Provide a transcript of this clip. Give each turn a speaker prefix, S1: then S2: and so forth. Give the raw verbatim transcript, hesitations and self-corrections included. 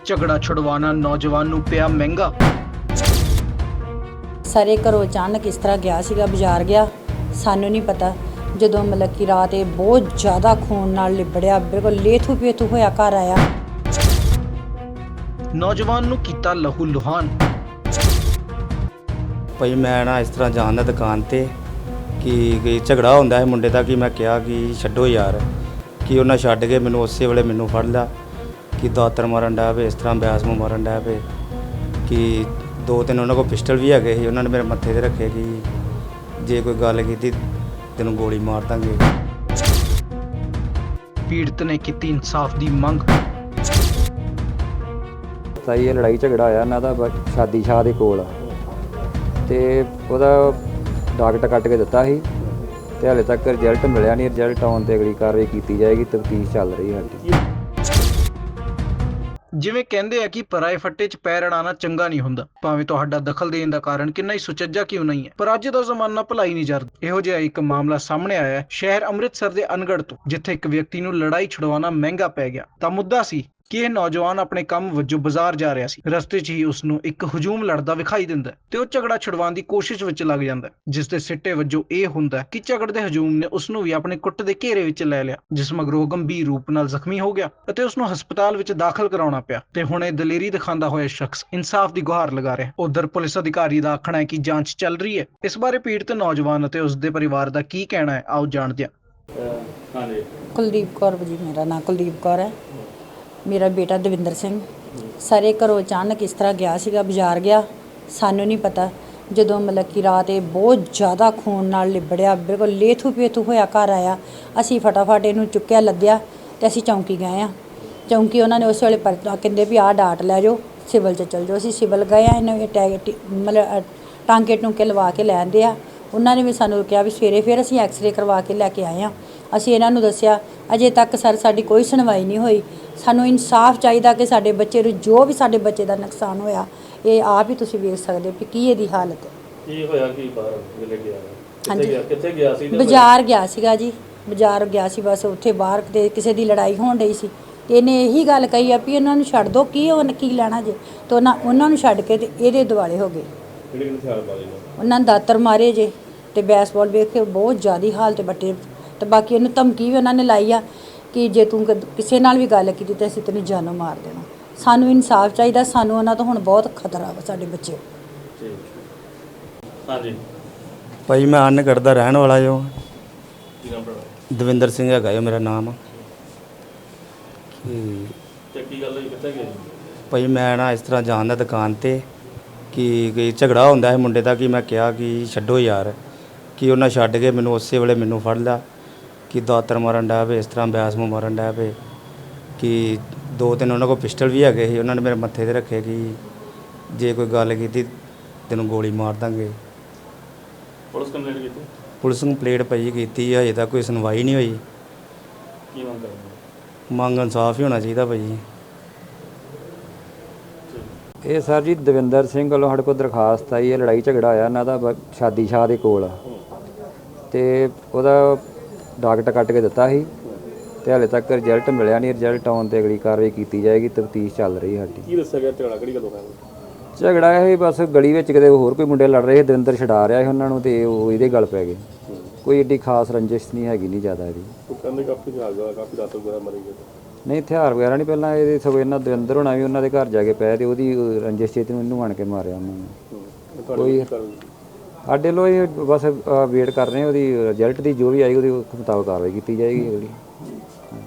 S1: ਝਗੜਾ ਛੁਡਵਾਉਣਾ ਨੌਜਵਾਨ ਨੂੰ ਪਿਆ ਮਹਿੰਗਾ।
S2: ਸਾਰੇ ਘਰੋਂ ਅਚਾਨਕ ਇਸ ਤਰ੍ਹਾਂ ਗਿਆ ਸੀਗਾ, ਬਾਜ਼ਾਰ ਗਿਆ, ਸਾਨੂੰ ਨਹੀਂ ਪਤਾ। ਜਦੋਂ ਮਤਲਬ ਕਿ ਰਾਤ ਇਹ ਬਹੁਤ ਜ਼ਿਆਦਾ ਖੂਨ ਨਾਲ ਲਿਬੜਿਆ, ਬਿਲਕੁਲ ਲੇਥੂ ਪੇਥੂ ਹੋਇਆ ਘਰ ਆਇਆ।
S1: ਨੌਜਵਾਨ ਨੂੰ ਕੀਤਾ ਲਹੂ ਲੁਹਾਨ।
S3: ਭਾਈ ਮੈਂ ਨਾ ਇਸ ਤਰ੍ਹਾਂ ਜਾਣ ਦਾ ਦੁਕਾਨ ਤੇ ਕਿ ਕਿ ਝਗੜਾ ਹੁੰਦਾ ਹੈ ਮੁੰਡੇ ਦਾ, ਕਿ ਮੈਂ ਕਿਹਾ ਕਿ ਛੱਡੋ ਯਾਰ, ਕਿ ਉਹਨਾਂ ਛੱਡ ਕੇ ਮੈਨੂੰ ਉਸੇ ਵੇਲੇ ਮੈਨੂੰ ਫੜ ਲਿਆ ਕਿ ਦਾਤਰ ਮਾਰਨ ਡਿਆ ਪਏ, ਇਸ ਤਰ੍ਹਾਂ ਬਿਆਸ ਨੂੰ ਮਾਰਨ ਡਿਆ ਪਏ, ਕਿ ਦੋ ਤਿੰਨ ਉਹਨਾਂ ਕੋਲ ਪਿਸਟਲ ਵੀ ਹੈਗੇ ਸੀ। ਉਹਨਾਂ ਨੇ ਮੇਰੇ ਮੱਥੇ ਤੇ ਰੱਖੇ ਕਿ ਜੇ ਕੋਈ ਗੱਲ ਕੀਤੀ ਤੈਨੂੰ ਗੋਲੀ ਮਾਰ ਦਾਂਗੇ।
S1: ਪੀੜਤ ਨੇ ਕੀਤੀ ਇਨਸਾਫ ਦੀ ਮੰਗ।
S4: ਤਾਂ ਇਹ ਲੜਾਈ ਝਗੜਾ ਹੋਇਆ ਇਹਨਾਂ ਦਾ ਬ- ਸ਼ਾਦੀ ਸ਼ਾਹ ਦੇ ਕੋਲ, ਤੇ ਉਹਦਾ ਡਾਕਟਰ ਕੱਟ ਕੇ ਦਿੱਤਾ ਸੀ ਤੇ ਹਾਲੇ ਤੱਕ ਰਿਜ਼ਲਟ ਮਿਲਿਆ ਨਹੀਂ। ਰਿਜ਼ਲਟ ਆਉਣ ਤੇ ਅਗਲੀ ਕਾਰਵਾਈ ਕੀਤੀ ਜਾਏਗੀ। ਤਫਤੀਸ਼ ਚੱਲ ਰਹੀ ਹੈ ਸਾਡੀ।
S1: ਜਿਵੇਂ ਕਹਿੰਦੇ ਆ ਕਿ ਪਰਾਏ ਫੱਟੇ 'ਚ ਪੈਰ ਅੜਾਉਣਾ ਚੰਗਾ ਨਹੀਂ ਹੁੰਦਾ, ਭਾਵੇਂ ਤੁਹਾਡਾ ਦਖਲ ਦੇਣ ਦਾ ਕਾਰਨ ਕਿੰਨਾ ਹੀ ਸੁਚੱਜਾ ਕਿਉਂ ਨਹੀਂ ਹੈ। ਪਰ ਅੱਜ ਦਾ ਜ਼ਮਾਨਾ ਭਲਾਈ ਨਹੀਂ ਜਰਦਾ। ਇਹੋ ਜਿਹਾ ਇੱਕ ਮਾਮਲਾ ਸਾਹਮਣੇ ਆਇਆ ਹੈ ਸ਼ਹਿਰ ਅੰਮ੍ਰਿਤਸਰ ਦੇ ਅਨਗੜ੍ਹ ਤੋਂ, ਜਿੱਥੇ ਇੱਕ ਵਿਅਕਤੀ ਨੂੰ ਲੜਾਈ ਛੁਡਵਾਉਣਾ ਮਹਿੰਗਾ ਪੈ ਗਿਆ। ਤਾਂ ਮੁੱਦਾ ਸੀ ਕਿ ਇਹ ਨੌਜਵਾਨ ਆਪਣੇ ਕੰਮ ਵਜੋਂ ਬਾਜ਼ਾਰ ਜਾ ਰਿਹਾ ਸੀ। ਰਸਤੇ 'ਚ ਹੀ ਉਸ ਨੂੰ ਇੱਕ ਹਜੂਮ ਲੜਦਾ ਵਿਖਾਈ ਦਿੰਦਾ ਹੈ ਤੇ ਉਹ ਝਗੜਾ ਛੁਡਵਾਉਣ ਦੀ ਕੋਸ਼ਿਸ਼ ਵਿੱਚ ਲੱਗ ਜਾਂਦਾ ਹੈ, ਜਿਸ ਦੇ ਸਿੱਟੇ ਵਜੋਂ ਇਹ ਹੁੰਦਾ ਹੈ ਕਿ ਝਗੜੇ ਦੇ ਹਜੂਮ ਨੇ ਉਸ ਨੂੰ ਵੀ ਆਪਣੇ ਕੁੱਟ ਦੇ ਘੇਰੇ ਵਿੱਚ ਲੈ ਲਿਆ, ਜਿਸ ਮਗਰੋਂ ਗੰਭੀਰ ਰੂਪ ਨਾਲ ਜ਼ਖਮੀ ਹੋ ਗਿਆ ਅਤੇ ਉਸ ਨੂੰ ਹਸਪਤਾਲ ਵਿੱਚ ਦਾਖਲ ਕਰਾਉਣਾ ਪਿਆ। ਤੇ ਹੁਣ ਇਹ ਦਲੇਰੀ ਦਿਖਾਉਂਦਾ ਹੋਇਆ ਸ਼ਖਸ ਇਨਸਾਫ ਦੀ ਗੁਹਾਰ ਲਗਾ ਰਿਹਾ। ਉਧਰ ਪੁਲਿਸ ਅਧਿਕਾਰੀ ਦਾ ਆਖਣਾ ਹੈ ਕਿ ਜਾਂਚ ਚੱਲ ਰਹੀ ਹੈ। ਇਸ ਬਾਰੇ ਪੀੜਤ ਨੌਜਵਾਨ ਅਤੇ ਉਸ ਦੇ ਪਰਿਵਾਰ ਦਾ ਕੀ ਕਹਿਣਾ ਹੈ, ਆਓ ਜਾਣਦੇ ਹਾਂ।
S2: ਕੁਲਦੀਪ ਕੌਰ ਜੀ, ਮੇਰਾ ਨਾਂ ਕੁਲਦੀਪ ਕੌਰ ਹੈ। ਮੇਰਾ ਬੇਟਾ ਦਵਿੰਦਰ ਸਿੰਘ। ਸਾਰੇ ਘਰੋਂ ਅਚਾਨਕ ਇਸ ਤਰ੍ਹਾਂ ਗਿਆ ਸੀਗਾ, ਬਾਜ਼ਾਰ ਗਿਆ, ਸਾਨੂੰ ਨਹੀਂ ਪਤਾ। ਜਦੋਂ ਮਤਲਬ ਕਿ ਰਾਤ ਇਹ ਬਹੁਤ ਜ਼ਿਆਦਾ ਖੂਨ ਨਾਲ ਲਿਬੜਿਆ, ਬਿਲਕੁਲ ਲੇਥੂ ਪੇਥੂ ਹੋਇਆ ਘਰ ਆਇਆ। ਅਸੀਂ ਫਟਾਫਟ ਇਹਨੂੰ ਚੁੱਕਿਆ, ਲੱਦਿਆ ਤੇ ਅਸੀਂ ਚੌਂਕੀ ਗਏ ਆ। ਚੌਂਕੀ ਉਹਨਾਂ ਨੇ ਉਸ ਵੇਲੇ ਪਰ ਕਹਿੰਦੇ ਵੀ ਆਹ ਡਾਟ ਲੈ ਜਾਓ, ਸਿਵਲ 'ਚ ਚੱਲ ਜਾਓ। ਅਸੀਂ ਸਿਵਲ ਗਏ ਆ, ਇਹਨੂੰ ਇਹ ਟੈਗ ਟੀ- ਮਤਲਬ ਟਾਂਕੇ ਟੂੰਕੇ ਲਵਾ ਕੇ ਲੈ ਆਂਦੇ ਆ। ਉਹਨਾਂ ਨੇ ਵੀ ਸਾਨੂੰ ਕਿਹਾ ਵੀ ਸਵੇਰੇ ਫਿਰ ਅਸੀਂ ਐਕਸਰੇ ਕਰਵਾ ਕੇ ਲੈ ਕੇ ਆਏ ਆ। ਅਸੀਂ ਇਹਨਾਂ ਨੂੰ ਦੱਸਿਆ, ਅਜੇ ਤੱਕ ਸਰ ਸਾਡੀ ਕੋਈ ਸੁਣਵਾਈ ਨਹੀਂ ਹੋਈ। ਸਾਨੂੰ ਇਨਸਾਫ ਚਾਹੀਦਾ ਕਿ ਸਾਡੇ ਬੱਚੇ ਨੂੰ, ਜੋ ਵੀ ਸਾਡੇ ਬੱਚੇ ਦਾ ਨੁਕਸਾਨ ਹੋਇਆ, ਇਹ ਆਪ ਹੀ ਤੁਸੀਂ ਵੇਖ ਸਕਦੇ ਹੋ ਕਿ ਕੀ ਇਹਦੀ ਹਾਲਤ ਹੈ।
S5: ਕੀ ਹੋਇਆ ਕੀ ਬਾਹਰ ਵੇਲੇ ਗਿਆ?
S2: ਹਾਂਜੀ।
S5: ਕਿੱਥੇ ਗਿਆ ਕਿੱਥੇ ਗਿਆ ਸੀ? ਤੇ
S2: ਬਾਜ਼ਾਰ ਗਿਆ ਸੀਗਾ ਜੀ, ਬਾਜ਼ਾਰ ਗਿਆ ਸੀ। ਬਸ ਉੱਥੇ ਬਾਹਰ ਕਿਤੇ ਕਿਸੇ ਦੀ ਲੜਾਈ ਹੋਣ ਡਈ ਸੀ ਤੇ ਇਹਨੇ ਇਹੀ ਗੱਲ ਕਹੀ ਆ ਵੀ ਇਹਨਾਂ ਨੂੰ ਛੱਡ ਦਿਓ, ਕੀ ਉਹ ਕੀ ਲੈਣਾ ਜੇ। ਤੇ ਉਹਨਾਂ ਉਹਨਾਂ ਨੂੰ ਛੱਡ ਕੇ ਤੇ ਇਹਦੇ ਦੁਆਲੇ ਹੋ ਗਏ।
S5: ਕਿਹੜੇ ਕਿਹੜੇ ਹਥਿਆਰ ਮਾਰੇ ਨੇ?
S2: ਉਹਨਾਂ ਨੇ ਦਾਤਰ ਮਾਰੇ ਜੇ ਤੇ ਬੈਸਬਾਲ ਵੇਖ ਕੇ ਬਹੁਤ ਜ਼ਿਆਦੀ ਹਾਲਤ ਬੱਟੇ। ਤੇ ਬਾਕੀ ਇਹਨੂੰ ਧਮਕੀ ਵੀ ਉਹਨਾਂ ਨੇ ਲਾਈ ਆ ਕਿ ਜੇ ਤੂੰ ਕਦ- ਕਿਸੇ ਨਾਲ ਵੀ ਗੱਲ ਕੀਤੀ ਤਾਂ ਅਸੀਂ ਤੈਨੂੰ ਜਾਨੋਂ ਮਾਰ ਦੇਣਾ। ਸਾਨੂੰ ਇਨਸਾਫ ਚਾਹੀਦਾ। ਸਾਨੂੰ ਉਹਨਾਂ ਤੋਂ ਹੁਣ ਬਹੁਤ ਖਤਰਾ ਵਾ, ਸਾਡੇ ਬੱਚੇ।
S5: ਠੀਕ। ਹਾਂਜੀ।
S3: ਭਾਈ ਮੈਂ ਅਨਗੜ੍ਹ ਦਾ ਰਹਿਣ ਵਾਲਾ ਜੋ
S5: ਕੀ ਨਾਮ ਤੁਹਾਡਾ?
S3: ਦਵਿੰਦਰ ਸਿੰਘ ਹੈਗਾ ਜੋ ਮੇਰਾ ਨਾਮ। ਕਿ
S5: ਤੇ ਕੀ ਗੱਲ ਹੋਈ, ਕਿੱਥੇ ਗਏ?
S3: ਭਾਈ ਮੈਂ ਨਾ ਇਸ ਤਰ੍ਹਾਂ ਜਾਣ ਦਾ ਦੁਕਾਨ ਤੇ ਕਿ ਕਿ ਝਗੜਾ ਹੁੰਦਾ ਹੈ ਮੁੰਡੇ ਦਾ, ਕਿ ਮੈਂ ਕਿਹਾ ਕਿ ਛੱਡੋ ਯਾਰ, ਕਿ ਉਹਨਾਂ ਛੱਡ ਕੇ ਮੈਨੂੰ ਉਸੇ ਵੇਲੇ ਮੈਨੂੰ ਫੜ ਲਿਆ ਕਿ ਦਾਤਰ ਮਾਰਨ ਡਿਆ ਪਏ, ਇਸ ਤਰ੍ਹਾਂ ਬਿਆਸ ਨੂੰ ਮਾਰਨ ਡਿਆ ਪਏ, ਕਿ ਦੋ ਤਿੰਨ ਉਹਨਾਂ ਕੋਲ ਪਿਸਟਲ ਵੀ ਹੈਗੇ ਸੀ। ਉਹਨਾਂ ਨੇ ਮੇਰੇ ਮੱਥੇ ਤੇ ਰੱਖੇ ਕਿ ਜੇ ਕੋਈ ਗੱਲ ਕੀਤੀ ਤੈਨੂੰ ਗੋਲੀ ਮਾਰ ਦਾਂਗੇ।
S5: ਪੁਲਿਸ ਕੰਪਲੇਂਟ ਕੀਤੀ?
S3: ਪੁਲਿਸ ਨੂੰ ਕੰਪਲੇਂਟ ਭਾਈ ਕੀਤੀ, ਹਜੇ ਤੱਕ ਕੋਈ ਸੁਣਵਾਈ ਨਹੀਂ ਹੋਈ।
S5: ਕੀ ਮੰਗ ਕਰਦੇ?
S3: ਮੰਗ ਇਨਸਾਫ ਹੀ ਹੋਣਾ ਚਾਹੀਦਾ ਭਾਈ।
S4: ਇਹ ਸਰ ਜੀ ਦਵਿੰਦਰ ਸਿੰਘ ਵੱਲੋਂ ਸਾਡੇ ਕੋਲ ਦਰਖਾਸਤ ਆਈ ਹੈ। ਲੜਾਈ ਝਗੜਾ ਹੋਇਆ ਇਹਨਾਂ ਦਾ ਬ- ਸ਼ਾਦੀ ਸ਼ਾਹ ਦੇ ਕੋਲ, ਤੇ ਉਹਦਾ ਡਾਕਟਰ ਕੱਟ ਕੇ ਦਿੱਤਾ ਸੀ ਤੇ ਹਾਲੇ ਤੱਕ ਰਿਜ਼ਲਟ ਮਿਲਿਆ ਨਹੀਂ। ਰਿਜ਼ਲਟ ਆਉਣ ਤੇ ਅਗਲੀ ਕਾਰਵਾਈ ਕੀਤੀ ਜਾਏਗੀ। ਤਫਤੀਸ਼ ਚੱਲ ਰਹੀ ਹੈ ਸਾਡੀ।
S5: ਕੀ ਦੱਸਿਆ ਗਿਆ? ਝਗੜਾ ਕਿਹੜੀ ਗੱਲੋਂ ਹੋਇਆ?
S4: ਝਗੜਾ ਇਹ ਬਸ ਗਲੀ ਵਿੱਚ ਕਿਤੇ ਹੋਰ ਕੋਈ ਮੁੰਡੇ ਲੜ ਰਹੇ ਸੀ, ਦਵਿੰਦਰ ਛਡਾ ਰਿਹਾ ਸੀ ਉਹਨਾਂ ਨੂੰ ਤੇ ਉਹ ਇਹਦੇ ਗਲ ਪੈ ਗਏ। ਕੋਈ ਏਡੀ ਖਾਸ ਰੰਜਿਸ਼ ਨਹੀਂ ਹੈਗੀ, ਨਹੀਂ ਜ਼ਿਆਦਾ ਇਹਦੀ।
S5: ਉਹ ਕਹਿੰਦੇ ਕਾਫੀ ਹਥਿਆਰ ਕਾਫੀ ਰਾਤ ਵਗੈਰਾ ਮਰੇ ਗਏ।
S4: ਨਹੀਂ, ਹਥਿਆਰ ਵਗੈਰਾ ਨਹੀਂ। ਪਹਿਲਾਂ ਇਹਦੇ ਸਗੋਂ ਇਹਨਾਂ ਦਵਿੰਦਰ ਹੋਣਾ ਵੀ ਉਹਨਾਂ ਦੇ ਘਰ ਜਾ ਕੇ ਪਏ ਤੇ ਉਹਦੀ ਰੰਜਿਸ਼ ਚੇਤ ਨੂੰ ਇਹਨੂੰ ਆਣ ਕੇ ਮਾਰਿਆ ਉਹਨਾਂ ਨੇ। ਕੋਈ ਸਾਡੇ ਲੋ ਇਹ ਬਸ ਵੇਟ ਕਰ ਰਹੇ ਹਾਂ ਉਹਦੀ ਰਿਜ਼ਲਟ ਦੀ, ਜੋ ਵੀ ਆਈ ਉਹਦੇ ਮੁਤਾਬਕ ਕਾਰਵਾਈ ਕੀਤੀ ਜਾਏਗੀ ਅਗਲੀ।